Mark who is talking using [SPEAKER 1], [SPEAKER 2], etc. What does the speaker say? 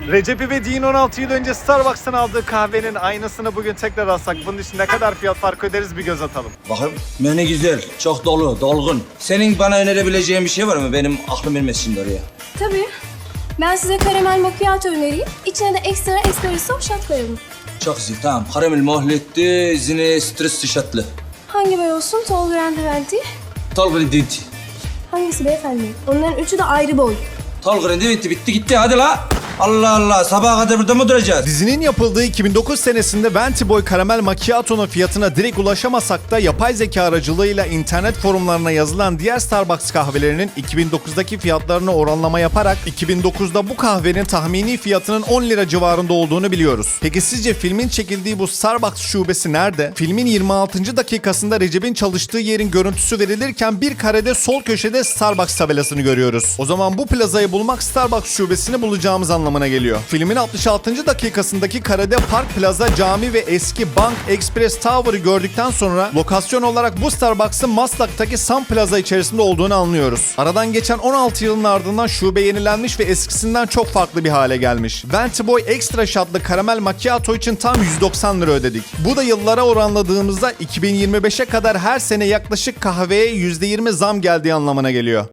[SPEAKER 1] Recep İvedik'in 16 yıl önce Starbucks'tan aldığı kahvenin aynısını bugün tekrar alsak bunun için ne kadar fiyat farkı öderiz bir göz atalım.
[SPEAKER 2] Bakın menü güzel, çok dolu, dolgun. Senin bana önerebileceğin bir şey var mı? Benim aklım ermez şimdi oraya.
[SPEAKER 3] Tabii. Ben size karamel macchiato önereyim. İçine de ekstra espresso shot koyalım.
[SPEAKER 2] Çok güzel, tamam. Karamel mahletti, zine stresli şatlı.
[SPEAKER 3] Hangi boy olsun? Tall Grand Venti.
[SPEAKER 2] Tall Grandivity.
[SPEAKER 3] Hangisi beyefendi? Onların üçü de ayrı boy.
[SPEAKER 2] Tall Grandivity bitti gitti, hadi la. Allah Allah, sabaha kadar burada mı duracağız?
[SPEAKER 1] Dizinin yapıldığı 2009 senesinde Venti Boy Karamel Macchiato'nun fiyatına direkt ulaşamasak da yapay zeka aracılığıyla internet forumlarına yazılan diğer Starbucks kahvelerinin 2009'daki fiyatlarını oranlama yaparak 2009'da bu kahvenin tahmini fiyatının 10 lira civarında olduğunu biliyoruz. Peki sizce filmin çekildiği bu Starbucks şubesi nerede? Filmin 26. dakikasında Recep'in çalıştığı yerin görüntüsü verilirken bir karede sol köşede Starbucks tabelasını görüyoruz. O zaman bu plazayı bulmak Starbucks şubesini bulacağımız anlamına geliyor. Filmin 66. dakikasındaki karede Park Plaza, cami ve eski Bank Express Tower'ı gördükten sonra lokasyon olarak bu Starbucks'ın Maslak'taki Sun Plaza içerisinde olduğunu anlıyoruz. Aradan geçen 16 yılın ardından şube yenilenmiş ve eskisinden çok farklı bir hale gelmiş. Venti Boy Extra Shot'lı karamel macchiato için tam 190 lira ödedik. Bu da yıllara oranladığımızda 2025'e kadar her sene yaklaşık kahveye %20 zam geldiği anlamına geliyor.